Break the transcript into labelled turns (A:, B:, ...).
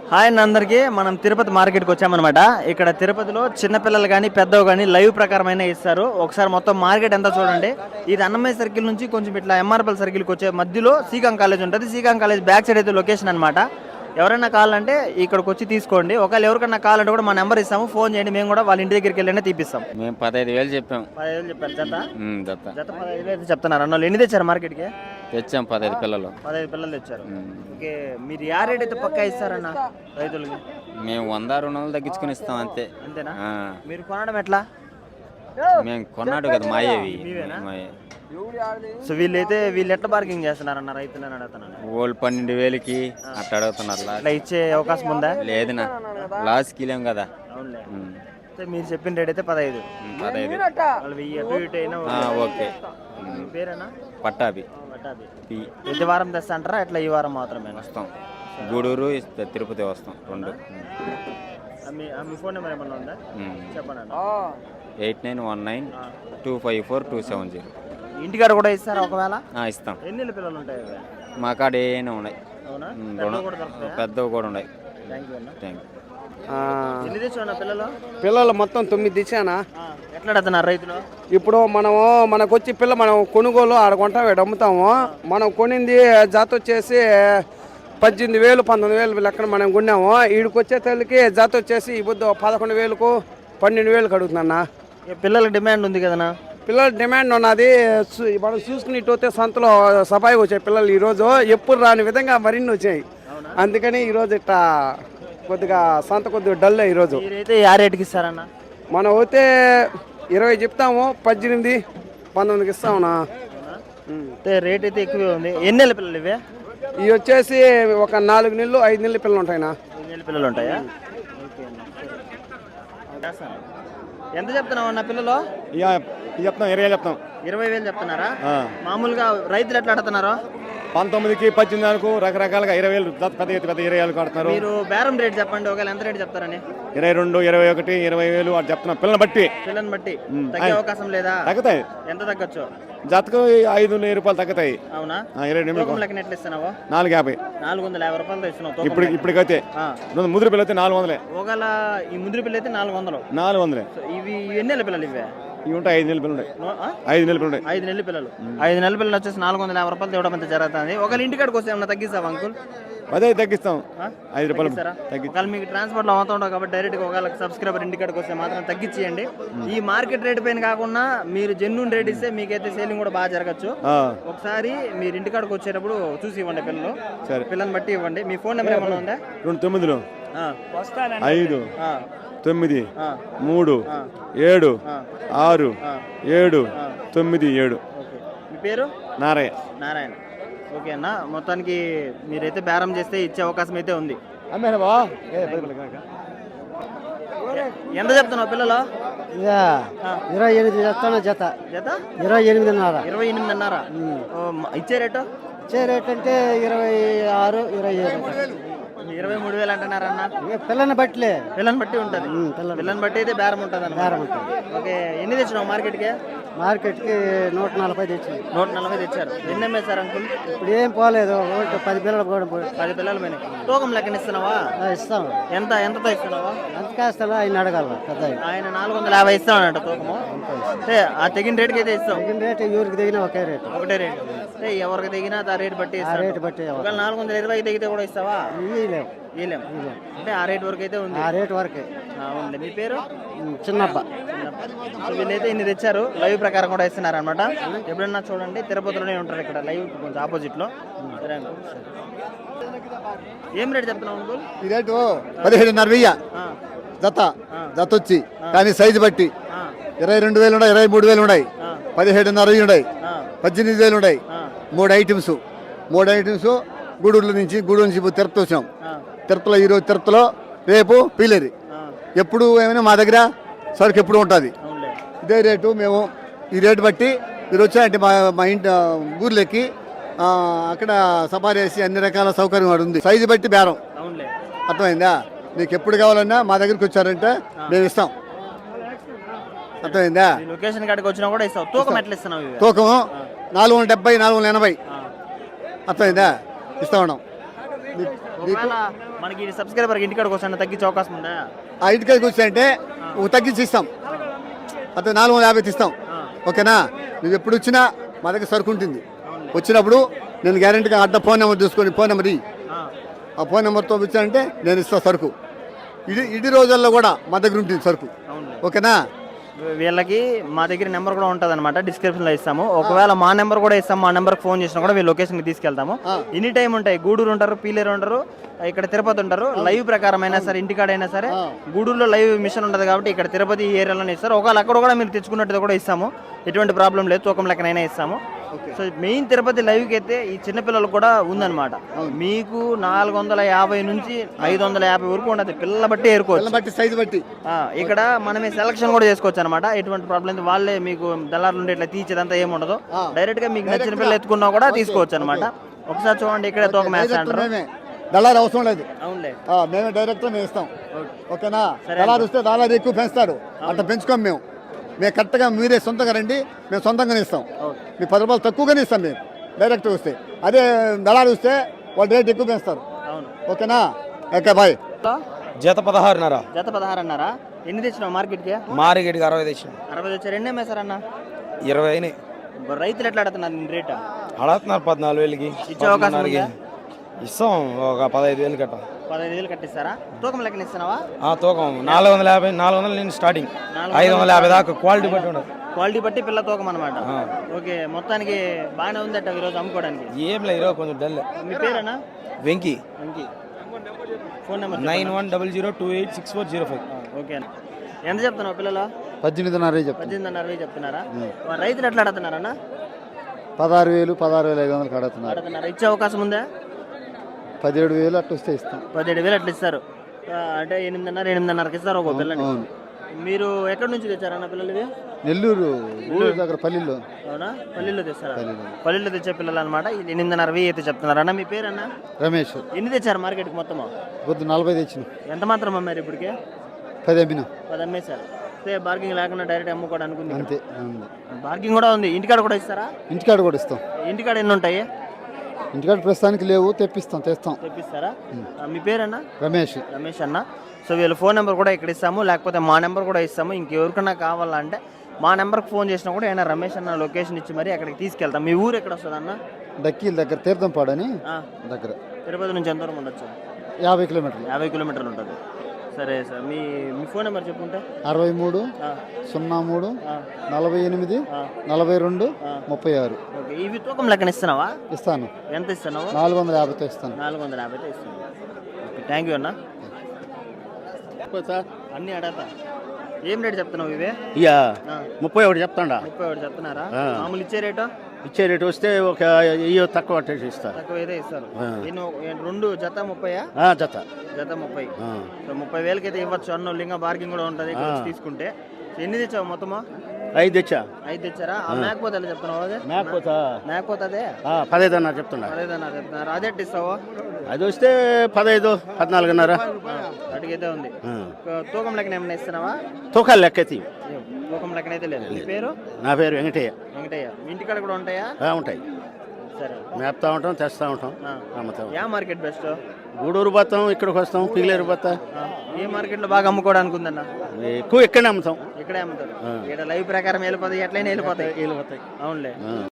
A: Hi అన్న అందరికీ. మనం తిరుపతి మార్కెట్కి వచ్చామన్నమాట. ఇక్కడ తిరుపతిలో చిన్నపిల్లలు కానీ పెద్దవి కానీ లైవ్ ప్రకారమైన ఇస్తారు. ఒకసారి మొత్తం మార్కెట్ ఎంత చూడండి. ఇది అన్నమయ్య సర్కిల్ నుంచి కొంచెం ఇట్లా ఎంఆర్పల్ సర్కిల్కి వచ్చే మధ్యలో సీకాం కాలేజ్ ఉంటుంది. సీకాం కాలేజ్ బ్యాక్ సైడ్ అయితే లొకేషన్ అనమాట. ఎవరైనా కావాలంటే ఇక్కడికి వచ్చి తీసుకోండి. ఒకవేళ ఎవరికైనా కావాలంటే కూడా మా నెంబర్ ఇస్తాము, ఫోన్ చేయండి. మేము కూడా వాళ్ళ ఇంటి దగ్గరికి వెళ్ళి తీపిస్తాం.
B: మేము 15,000 చెప్పాం.
A: 15,000 చెప్పారు జత.
B: జత
A: జత 15,000 అయితే చెప్తున్నారు. అన్న వాళ్ళు ఎన్ని తెచ్చారు మార్కెట్కి?
B: తెచ్చాం 15 పిల్లలు.
A: 15 పిల్లలు తెచ్చారు. ఓకే, మీరు యా రేట్ అయితే పక్కా ఇస్తారన్న రైతులకి?
B: మేము 100-200 తగ్గించుకుని ఇస్తాం అంతే.
A: అంతేనా? మీరు కొనడం ఎట్లా?
B: మేము కొన్నాడు కదా మాయేవి.
A: సో వీళ్ళు ఎట్లా బార్గింగ్ చేస్తున్నారన్న రైతులు అని అడుగుతున్నాను.
B: వాళ్ళు 12,000కి అట్లా అడుగుతున్నారు.
A: అట్లా ఇచ్చే అవకాశం ఉందా?
B: లేదునా, లాస్ట్కి వెళ్ళాం కదా.
A: మీరు చెప్పిన రేట్ అయితే 15.
B: 15
A: వాళ్ళు 1000 అటు ఇటు అయినా
B: ఓకే.
A: పేరేనా?
B: పట్టాభి.
A: ప్రతి వారం తెస్తా అంటారా? ఎట్లా ఈ వారం మాత్రమే
B: వస్తాం? గూడూరు తిరుపతి వస్తాం రెండు.
A: మీ ఫోన్ నెంబర్ ఏమన్నా ఉందా? చెప్పండి.
B: 8919254270.
A: ఇంటికాడ కూడా ఇస్తారా ఒకవేళ?
B: ఇస్తాం.
A: ఎన్ని పిల్లలు ఉంటాయి
B: మా కాడ ఏమైనా ఉన్నాయి. పెద్దవి కూడా ఉన్నాయి.
A: Thank you.
C: పిల్లలు మొత్తం 9 తెచ్చానా.
A: ఎట్లా అడుగుతున్నారు రైతులు?
C: ఇప్పుడు మనకు వచ్చి మనం కొనుగోలు ఆడ కొంటాం, అమ్ముతాము. మనం కొనింది జాత వచ్చేసి 18,000 19,000 లెక్కన మనం కొన్నాము. ఈడికి వచ్చే తల్లికి జాత వచ్చేసి ఈ బుద్ధ 11,000కు 12,000కి అడుగుతున్నా.
A: పిల్లలకి డిమాండ్ ఉంది కదనా?
C: పిల్లల డిమాండ్ ఉన్నది. మనం చూసుకున్నట్టు సంతలో సఫాయిగా వచ్చాయి పిల్లలు. ఈరోజు ఎప్పుడు రాని విధంగా మరిన్ని వచ్చాయి. అందుకని ఈరోజు ఇట్లా కొద్దిగా సంత కొద్దిగా డల్ ఈరోజు.
A: మీరైతే యా రేటుకి ఇస్తారన్న?
C: మనం అయితే 20 చెప్తాము, 18 19కి ఇస్తామునా.
A: రేట్ అయితే ఎక్కువే ఉంది. ఎన్ని నెలల పిల్లలు ఇవే?
C: ఇవి వచ్చేసి ఒక 4 నెలలు 5 నెలల పిల్లలు ఉంటాయినా.
A: 5 నెలల పిల్లలు ఉంటాయా? ఎంత చెప్తున్నావు అన్న పిల్లలు?
D: చెప్తాం 20,000 చెప్తాం.
A: 20,000 చెప్తున్నారా? మామూలుగా రైతులు ఎట్లా అడుగుతున్నారు?
D: 19కి 18 రకరకాలుగా 20,000 పెద్ద 20,000 కడుతున్నారు.
A: మీరు బేరం రేట్ చెప్పండి, ఒకవేళ ఎంత రేట్ చెప్తారని?
D: 22, 21, 20,000 అని చెప్తున్నాం. పిల్లల్ని బట్టి
A: తగ్గే అవకాశం లేదా?
D: తగ్గుతాయి.
A: ఎంత తగ్గచ్చు?
D: జతకు 500 రూపాయలు తగ్గుతాయి.
A: అవునా?
D: 20 నిమిషాలు
A: లెక్కన ఎట్లా ఇస్తున్నావు?
D: 450.
A: 450 రూపాయలు ఇస్తున్నావు
D: ఇప్పటికైతే. ముదురు పిల్ల అయితే 400.
A: ఒకవేళ ఈ ముదురు పిల్ల అయితే 400.
D: 400.
A: ఇవి ఎన్ని నెలల పిల్లలు ఇవే?
D: ఇవి ఉంటాయి 5 నెలల పిల్లలు. 5 నెలల పిల్లలు.
A: 5 నెలల పిల్లలు. 5 నెలల పిల్లలు వచ్చేసి 450 రూపాయలు తేవడం అంత జరుగుతుంది. ఒకవేళ ఇంటికాడికి వస్తే ఏమన్నా తగ్గిస్తావా అంకుల్?
D: అదే తగ్గిస్తాం. 5 రూపాయలు.
A: ఒకవేళ మీకు ట్రాన్స్పోర్ట్లో అవుతా ఉండవు కాబట్టి డైరెక్ట్గా ఒకవేళ సబ్స్క్రైబర్ ఇంటికాడికి వస్తే మాత్రం తగ్గించేయండి. ఈ మార్కెట్ రేట్ పైన కాకుండా మీరు జెన్యూన్ రేట్ ఇస్తే మీకైతే సేలింగ్ కూడా బాగా జరగచ్చు. ఒకసారి మీరు ఇంటికాడికి వచ్చేటప్పుడు చూసి ఇవ్వండి పిల్లలు. పిల్లల్ని బట్టి ఇవ్వండి. మీ ఫోన్ నెంబర్ ఏమన్నా ఉందా?
D: 29 5 9 3 7 6 7 9 7.
A: మీ పేరు? నారాయణ. ఓకే అన్న, మొత్తానికి మీరైతే బేరం చేస్తే ఇచ్చే అవకాశం అయితే ఉంది. ఎంత చెప్తున్నావు పిల్లలు?
C: 28 చెప్తాను. జత 28.5.
A: 28.5. ఇచ్చే రేటు?
C: ఇచ్చే రేట్ అంటే 26 27.
A: 23,000 అంటున్నారన్న.
C: పిల్లని బట్టి
A: ఉంటుంది. పిల్లని బట్టి అయితే బేరం ఉంటుంది అన్న. ఓకే, ఎన్ని తెచ్చినావు మార్కెట్కి?
C: 140 తెచ్చింది.
A: 140 తెచ్చారు. ఎన్ని అమ్మేశారు అంకుల్?
C: ఇప్పుడు ఏం పోలేదు. 10 పిల్లలు కూడా
A: 10 పిల్లలు పోయినాయి. తూకం లెక్కన ఇస్తున్నావా?
C: ఇస్తాం.
A: ఎంతతో ఇస్తున్నావా?
C: ఎంత కాస్తా ఆయన అడగాల. పెద్ద
A: ఆయన 450 ఇస్తామన్నట్టు తూకము. అంటే ఆ తెగిన రేటుకి అయితే ఇస్తాం.
C: తెగిన రేట్ ఎవరికి తెగినా ఒకటే రేటు.
A: ఒకటే రేటు. అంటే ఎవరికి తెగినా ఆ రేటు బట్టి ఇస్తాం.
C: రేటు బట్టి
A: 420 తెగితే కూడా ఇస్తావా?
C: ఇలేం.
A: అంటే ఆ రేట్ వరకు అయితే ఉంది.
C: ఆ రేట్ వరకే
A: ఉంది. మీ పేరు?
C: చిన్నప్ప.
A: వీళ్ళైతే ఇన్ని తెచ్చారు. లైవ్ ప్రకారం కూడా ఇస్తున్నారు అనమాట. ఎప్పుడన్నా చూడండి, తిరుపతిలోనే ఉంటారు ఇక్కడ లైవ్ కొంచెం ఆపోజిట్ లో. ఏం రేట్ చెప్తున్నావు అంకుల్?
E: ఈ రేటు 17,500 జత వచ్చి, కానీ సైజు బట్టి 22,000 ఉన్నాయి, 23,000 ఉన్నాయి, 17,500 ఉన్నాయి, 18,000 ఉన్నాయి. 3 ఐటమ్స్. గూడూరు నుంచి తిరుపతి వచ్చాం. తిరుపతిలో ఈరోజు తిరుపతిలో, రేపు పీలేరు. ఎప్పుడు ఏమైనా మా దగ్గర సరుకు ఎప్పుడు ఉంటుంది. ఇదే రేటు. మేము ఈ రేటు బట్టి మీరు వచ్చారంటే మా ఇంటి ఊర్లోకి అక్కడ సఫారీ వేసి అన్ని రకాల సౌకర్యం ఉంది. సైజు బట్టి బేరం. అర్థమైందా? నీకు ఎప్పుడు కావాలన్నా మా దగ్గరికి వచ్చారంటే మేము ఇస్తాం. అర్థమైందా?
A: లొకేషన్ కాడికి వచ్చినా కూడా ఇస్తాం. తూకం ఎట్లా ఇస్తున్నావు?
E: తూకము 470 480. అర్థమైందా? ఇస్తా ఉన్నాం.
A: ఒకవేళ మనకి సబ్స్క్రైబర్ ఇంటికాడికి వస్తాను తగ్గించే అవకాశం ఉందా?
E: ఆ ఇంటికాడికి వచ్చాయంటే తగ్గించి ఇస్తాం, అతను 450 ఇస్తాం. ఓకేనా? నువ్వు ఎప్పుడు వచ్చినా మా దగ్గర సరుకు ఉంటుంది. వచ్చినప్పుడు నేను గ్యారెంటీగా అడ్డ ఫోన్ నెంబర్ తీసుకొని ఫోన్ నెంబర్ ఆ ఫోన్ నెంబర్తో వచ్చానంటే నేను ఇస్తాను సరుకు. ఇడి రోజుల్లో కూడా మా దగ్గర ఉంటుంది సరుకు. ఓకేనా?
A: వీళ్ళకి మా దగ్గర నెంబర్ కూడా ఉంటుంది అనమాట, డిస్క్రిప్షన్లో ఇస్తాము. ఒకవేళ మా నెంబర్ కూడా ఇస్తాము, మా నెంబర్కి ఫోన్ చేసినా కూడా వీళ్ళు లొకేషన్కి తీసుకెళ్తాము. ఎనీ టైం ఉంటాయి. గూడూరు ఉంటారు, పీలేరు ఉంటారు, ఇక్కడ తిరుపతి ఉంటారు. లైవ్ ప్రకారం అయినా సరే, ఇంటికాడైనా సరే, గూడూరులో లైవ్ మిషన్ ఉంటుంది కాబట్టి ఇక్కడ తిరుపతి ఈ ఏరియాలోనే ఇస్తారు. ఒకవేళ అక్కడ కూడా మీరు తెచ్చుకున్నట్టు కూడా ఇస్తాము, ఎటువంటి ప్రాబ్లం లేదు, తూకం లెక్కనైనా ఇస్తాము. సో మెయిన్ తిరుపతి లైవ్కి అయితే ఈ చిన్నపిల్లలకు కూడా ఉందన్నమాట. మీకు 450 నుంచి 550 వరకు ఉండదు, పిల్లల బట్టి ఏరుకోవచ్చు,
E: సైజు బట్టి.
A: ఇక్కడ మనమే సెలక్షన్ కూడా చేసుకోవచ్చు అనమాట. ఎటువంటి ప్రాబ్లం లేదు. వాళ్ళే మీకు దళారులు ఉండే ఇట్లా తీర్చేదంతా ఏముండదు. డైరెక్ట్ గా మీకు నచ్చిన పిల్లలు ఎత్తుకున్నా కూడా తీసుకోవచ్చు అనమాట. ఒకసారి చూడండి, ఇక్కడే తోక మ్యాచ్ అంటారు.
E: దళారు అవసరం లేదు,
A: అవునులే,
E: మేమే డైరెక్ట్ మేము ఇస్తాం. ఓకేనా? దళారు వస్తే దళారు ఎక్కువ పెంచుతారు, అంత పెంచుకోం మేము. మేము కరెక్ట్గా మీరే సొంతంగా రండి, మేము సొంతంగానే ఇస్తాం. మీ 10 రూపాయలు తక్కువగానే ఇస్తాం మేము డైరెక్ట్ వస్తే. అదే దళారు వస్తే వాళ్ళు రేట్ ఎక్కువ పెంచుతారు. ఓకేనా? Okay bye.
F: జత 16.5.
A: జత 16 అన్నారా? ఎన్ని తెచ్చినావు మార్కెట్కి?
F: మార్కెట్కి 60 తెచ్చిన.
A: 60 తెచ్చారు. ఎన్ని అమ్మేశారన్న?
F: 20 అయినాయి.
A: రైతులు ఎట్లా అడుగుతున్నారు నేను రేట్?
F: అడుగుతున్నారు 14,000కి.
A: ఇచ్చే అవకాశం ఉందా?
F: ఇస్తాం, ఒక 15,000 కట్ట.
A: 15,000 కట్టిస్తారా? తూకం లెక్కన ఇస్తున్నావా?
F: తూకం 450, 400 నేను స్టార్టింగ్, 550 దాకా క్వాలిటీ బట్టి ఉండదు.
A: క్వాలిటీ బట్టి పిల్ల తూకం అనమాట. ఓకే, మొత్తానికి బాగానే ఉందట ఈరోజు అమ్ముకోవడానికి.
F: ఏం లేదు, ఈరోజు కొంచెం డల్.
A: మీ పేరేనా?
F: వెంకీ.
A: Phone number
F: 9100286405.
A: ఓకే. ఎంత చెప్తున్నావు పిల్లలు?
E: 18,500
A: 18,500 చెప్తున్నారా? రైతులు ఎట్లా అడుగుతున్నారన్నా?
E: 16,000, 16,500
A: అడుగుతున్నారు. ఇచ్చే అవకాశం ఉందా?
E: 17,000 అట్లా వస్తే ఇస్తాం.
A: 17,000 అట్లా ఇస్తారు. అంటే 8,500కి ఇస్తారు ఒక పిల్లని. మీరు ఎక్కడి నుంచి తెచ్చారన్న పిల్లలు?
E: నెల్లూరు దగ్గర పల్లిలో.
A: అవునా? పల్లిలో తెస్తారా? పల్లిలో తెచ్చే పిల్లలు అనమాట. 8,500 అయితే చెప్తున్నారు అన్న. మీ పేరు అన్న?
E: రమేష్.
A: ఎన్ని తెచ్చారు మార్కెట్కి మొత్తము?
E: పొద్దు 40 తెచ్చిన.
A: ఎంత మాత్రం అమ్మారు ఇప్పటికే?
E: 10 అమ్మినా.
A: 10 అమ్మేశారు. బార్గింగ్ లేకుండా డైరెక్ట్ అమ్ముకోవడానికి ఉంది.
E: అంతే.
A: బార్గింగ్ కూడా ఉంది. ఇంటికాడ కూడా ఇస్తారా?
E: ఇంటికాడ కూడా ఇస్తాం.
A: ఇంటికాడ ఎన్ని ఉంటాయి?
E: ఇంటికాడ ప్రస్తుతానికి లేవు, తెప్పిస్తాం.
A: తెప్పిస్తారా? మీ పేరన్నా?
E: రమేష్.
A: రమేష్ అన్న. సో వీళ్ళ ఫోన్ నెంబర్ కూడా ఇక్కడ ఇస్తాము, లేకపోతే మా నెంబర్ కూడా ఇస్తాము. ఇంకెవరికన్నా కావాలంటే మా నెంబర్కి ఫోన్ చేసినా కూడా అయినా రమేష్ అన్న లొకేషన్ ఇచ్చి మరి అక్కడికి తీసుకెళ్తాం. మీ ఊరు ఎక్కడ వస్తుంది అన్న?
E: డక్కీల దగ్గర, తీర్థంపాడని దగ్గర.
A: తిరుపతి నుంచి ఎంత దూరం ఉండొచ్చు?
E: 50 కిలోమీటర్లు.
A: 50 కిలోమీటర్లు ఉంటుంది. సరే సార్, మీ ఫోన్ నెంబర్ చెప్పుంటే?
E: 63 03 48 42 36.
A: ఓకే. ఇవి తూకం లెక్కన ఇస్తున్నావా?
E: ఇస్తాను.
A: ఎంత ఇస్తున్నావు?
E: 450 ఇస్తాను.
A: 450 ఇస్తాను. ఓకే, థ్యాంక్ యూ అన్న. అన్నీ అడగతా. ఏం రేటు చెప్తున్నావు ఇవే?
G: 31 చెప్తాడా.
A: 31 చెప్తున్నారా? మామూలు ఇచ్చే రేటు?
G: ఇచ్చే రేటు వస్తే ఒక తక్కువ ఇస్తారు.
A: తక్కువ అయితే ఇస్తారు. రెండు జత 30?
G: జత
A: 30. 30,000కి అయితే ఇవ్వచ్చు అన్న. లింగా బార్గింగ్ కూడా ఉంటుంది తీసుకుంటే. ఎన్ని తెచ్చావు మొత్తము?
G: 5 తెచ్చా.
A: 5 తెచ్చారా? మేకపోతే ఎలా చెప్తున్నావు? అదే మేకపోతే అదే
G: 15 చెప్తున్నా.
A: 15 చెప్తున్నారు. అదే ఇస్తావు?
G: అది వస్తే 15, 14.5
A: అడిగైతే ఉంది. తూకం లెక్కన ఏమైనా ఇస్తున్నావా?
G: తూకాలు లెక్క ఎత్తి.
A: తూకం లెక్కన అయితే లేదు. మీ పేరు?
G: నా పేరు వెంకటయ్య.
A: వెంకటయ్య. మీ ఇంటికాడ కూడా ఉంటాయా?
G: ఉంటాయి.
A: సరే,
G: మేపుతా ఉంటాం, తెస్తా ఉంటాం, అమ్ముతాం.
A: ఏ మార్కెట్ బెస్ట్?
G: గూడూరు పోతాం, ఇక్కడికి వస్తాం, పిగిలేరు పోతా.
A: ఏ మార్కెట్లో బాగా అమ్ముకోవడానికి ఉందన్న?
G: ఎక్కువ ఇక్కడనే అమ్ముతాం.
A: ఇక్కడే అమ్ముతారు. ఇక్కడ లైవ్ ప్రకారం వెళ్ళిపోతాయి, ఎట్లయినా వెళ్ళిపోతాయి. అవునులే.